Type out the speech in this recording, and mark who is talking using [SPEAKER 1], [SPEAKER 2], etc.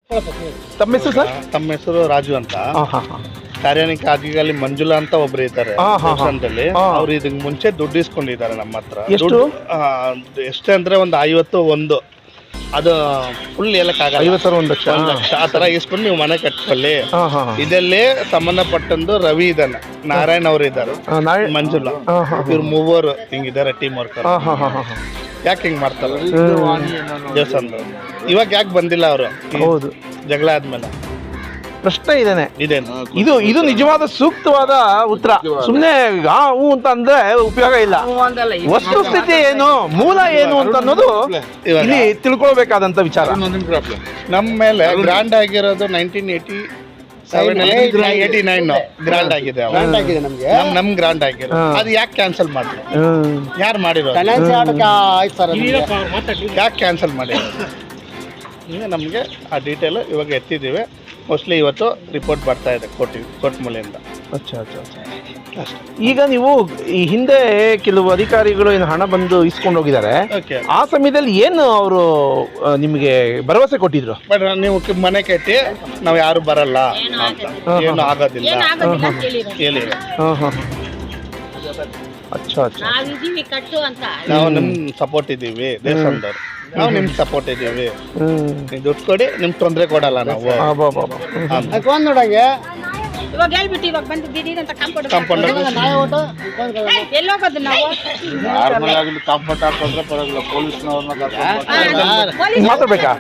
[SPEAKER 1] ತಮ್ಮ ಹೆಸರು ಸರ್?
[SPEAKER 2] ತಮ್ಮ ಹೆಸರು ರಾಜು ಅಂತ.
[SPEAKER 1] ಹಾಂ ಹಾಂ ಹಾಂ
[SPEAKER 2] ಕಾರ್ಯಾನಿಕ ಅಧಿಕಾರಿ ಮಂಜುಳಾ ಅಂತ ಒಬ್ರು ಇದ್ದಾರೆ ದೇವಸ್ಥಾನದಲ್ಲಿ. ಅವ್ರು ಇದಕ್ ಮುಂಚೆ ದುಡ್ಡು ಇಸ್ಕೊಂಡಿದ್ದಾರೆ ನಮ್ಮ ಹತ್ರ.
[SPEAKER 1] ಎಷ್ಟು?
[SPEAKER 2] ಎಷ್ಟೇ ಅಂದ್ರೆ ಒಂದು 51 ಅದು ಫುಲ್ ಹೇಳಕ್ಕಾಗಲ್ಲ.
[SPEAKER 1] 51 ಲಕ್ಷ
[SPEAKER 2] 1 ಲಕ್ಷ ಆ ತರ ಇಸ್ಕೊಂಡು ನೀವು ಮನೆ ಕಟ್ಕೊಳ್ಳಿ.
[SPEAKER 1] ಹಾಂ ಹಾಂ
[SPEAKER 2] ಇದರಲ್ಲಿ ಸಂಬಂಧಪಟ್ಟಂದು ರವಿ ಇದ್ದಾನೆ, ನಾರಾಯಣ್ ಅವರು ಇದ್ದಾರೆ, ಮಂಜುಳಾ, ಇವ್ರು ಮೂವರು ಹಿಂಗಿದ್ದಾರೆ ಟೀಮ್ ವರ್ಕರ್.
[SPEAKER 1] ಹಾಂ ಹಾಂ ಹಾಂ ಹಾಂ
[SPEAKER 2] ಯಾಕೆ ಹಿಂಗ್ ಮಾಡ್ತಾರೆ ದೇವಸ್ಥಾನದವ್ರು? ಇವಾಗ ಯಾಕೆ ಬಂದಿಲ್ಲ ಅವರು?
[SPEAKER 1] ಹೌದು,
[SPEAKER 2] ಜಗಳ ಆದ್ಮೇಲೆ
[SPEAKER 1] ಪ್ರಶ್ನೆ ಇದೇನೆ.
[SPEAKER 2] ಇದೇನು
[SPEAKER 1] ಇದು ನಿಜವಾದ ಸೂಕ್ತವಾದ ಉತ್ತರ. ಸುಮ್ಮನೆ ಹೂ ಅಂತ ಅಂದ್ರೆ ಉಪಯೋಗ ಇಲ್ಲ. ವಸ್ತುಸ್ಥಿತಿ ಏನು, ಮೂಲ ಏನು ಅಂತ ಅನ್ನೋದು ಇಲ್ಲಿ ತಿಳ್ಕೊಳ್ಬೇಕಾದಂತ ವಿಚಾರ.
[SPEAKER 2] ನಮ್ಮ ಮೇಲೆ ಗ್ರಾಂಡ್ ಆಗಿರೋದು 1989 ಗ್ರಾಂಡ್ ಆಗಿದೆ. ನಮ್ ಗ್ರಾಂಡ್ ಆಗಿರೋ ಅದು ಯಾಕೆ ಕ್ಯಾನ್ಸಲ್ ಮಾಡಿದ್ರು? ಯಾರು ಮಾಡಿರೋ? ಯಾಕೆ ಕ್ಯಾನ್ಸಲ್ ಮಾಡಿರೋದು? ಈಗ ನಮಗೆ ಆ ಡೀಟೇಲ್ ಇವಾಗ ಎತ್ತಿದ್ದೀವಿ. ಮೋಸ್ಟ್ಲಿ ಇವತ್ತು ರಿಪೋರ್ಟ್ ಬರ್ತಾ ಇದೆ ಕೋರ್ಟ್ ಮೂಲೆಯಿಂದ.
[SPEAKER 1] ಈಗ ನೀವು ಈ ಹಿಂದೆ ಕೆಲವು ಅಧಿಕಾರಿಗಳು ಏನು ಹಣ ಬಂದು ಇಸ್ಕೊಂಡು ಹೋಗಿದ್ದಾರೆ, ಆ ಸಮಯದಲ್ಲಿ ಏನು ಅವರು ನಿಮಗೆ ಭರವಸೆ ಕೊಟ್ಟಿದ್ರು?
[SPEAKER 2] ಬಟ್ ನೀವು ಮನೆ ಕಟ್ಟಿ ನಾವು ಯಾರು ಬರಲ್ಲ ಅಂತ, ಏನು ಆಗೋದಿಲ್ಲ ಹೇಳಿದ್ರು. ನಾವು ನಿಮ್ ಸಪೋರ್ಟ್ ಇದ್ದೀವಿ, ದೇವಸ್ಥಾನದವ್ರು ನಾವು ನಿಮ್ಗೆ ಸಪೋರ್ಟ್ ಇದ್ದೀವಿ, ನೀವು ದುಡ್ಡು ಕೊಡಿ, ನಿಮ್ಗೆ ತೊಂದರೆ ಕೊಡಲ್ಲ ನಾವು.
[SPEAKER 3] ನೋಡಂಗೆ ಇವಾಗ ಹೇಳ್ಬಿಟ್ಟು ಇವಾಗ ಬಂದು ದಿಢೀರ್ ಅಂತ ಕಾಂಪೌಂಡ್ ಎಲ್ಲೋಗೋದು ನಾವು?
[SPEAKER 2] ಕಾಂಪೌಂಡ್ ಹಾಕೊಂಡ್ರೆ ಪರವಾಗಿಲ್ಲ, ಪೊಲೀಸ್ನವ್ರನ್ನ
[SPEAKER 1] ಮಾತಾಡ್ಬೇಕಾ?